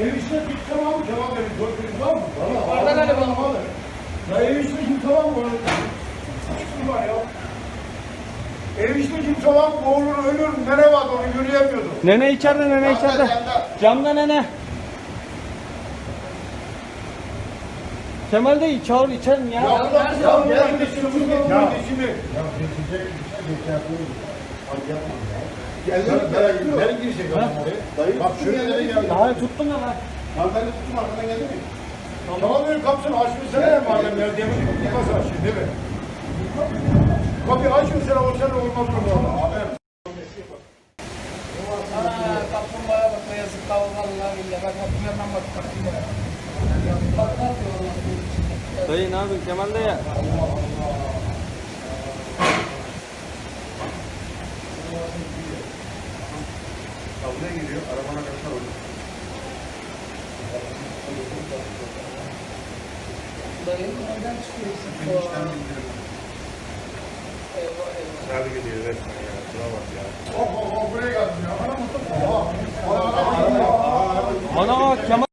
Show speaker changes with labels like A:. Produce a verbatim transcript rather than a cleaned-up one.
A: Ev işine git tamam mı? Cevap verin. Dört gün var mı?
B: Oradan hadi bakalım.
A: Ya ev işine git tamam mı? Kim var ya? Ev işine kimse var mı? Olur ölür. Nere vardı onu yürüyemiyordu.
C: Nene içeride, nene içeride. Camda nene. Kemal de çağır içerim ya.
A: Ya Allah ya ya gel geçin bunu geçin. Ya geçecek bir şey geçerli. Hadi yapma ya. Gel ben ben girecek adam oraya. Dayı bak şuraya nereye geldi?
C: Daha tuttum ya lan.
A: Lan ben de tuttum arkadan geldi mi? Tamam benim kapısını açmışsana ya madem ya demin nasıl açayım değil mi? Kapıyı açmışsana o sene olmaz mı valla? Haber.
B: Ana kaplumbağaya bak ne yazık kavga vallahi billahi. Bak kapıya ben bak kapıya. Bak ne yapıyor Allah.
C: Dayı ne yapıyorsun Kemal de ya?
A: Kavgaya giriyor arabana kaçar olur.
B: Dayı nereden çıkıyorsun?
A: Benim işten bindiririm.
B: Eyvah eyvah.
A: Nerede gidiyor resmen ya? Şuna bak ya. Hop hop hop buraya geldim ya. Ana mutlu. Ana ana ana.
C: Ana Kemal.